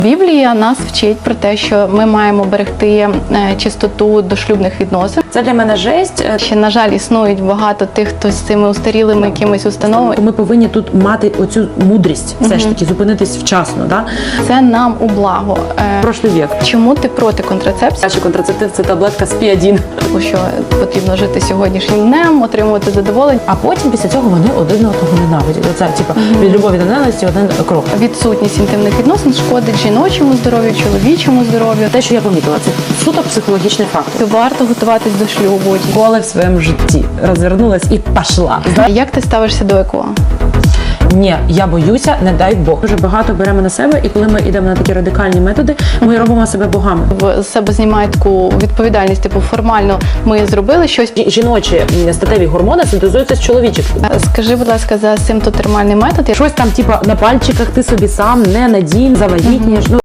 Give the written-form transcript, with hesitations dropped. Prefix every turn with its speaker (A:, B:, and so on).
A: Біблія нас вчить про те, що ми маємо берегти чистоту дошлюбних відносин.
B: Це для мене жесть.
A: Ще, на жаль, існують багато тих, хто з цими устарілими якимись установами.
B: Ми повинні тут мати оцю мудрість, все ж таки, зупинитись вчасно. Да?
A: Це нам у благо.
B: Прошлий вік.
A: Чому ти проти контрацепції?
B: Перший контрацептив – це таблетка СПІ-1.
A: Тому що потрібно жити сьогоднішнім днем, отримувати задоволення.
B: А потім після цього вони один одного ненавидять. Оце, від любові до ненависті один крок.
A: Відсутність інтимних відносин шкодить жіночому здоров'ю, чоловічому здоров'ю.
B: Те, що я помітила, це суто психологічний фактор.
A: Варто готуватись до шлюбу.
B: Коли в своєму житті розвернулась і пішла.
A: Як ти ставишся до ЕКО?
B: Ні, я боюся, не дай Бог. Дуже багато беремо на себе, і коли ми йдемо на такі радикальні методи, ми робимо себе богами.
A: З себе знімають таку відповідальність, типу формально ми зробили щось.
B: Жіночі статеві гормони синтезуються з чоловічих.
A: Скажи, будь ласка, за симптотермальний метод.
B: Щось там, на пальчиках ти собі сам не надій, завагітнієш.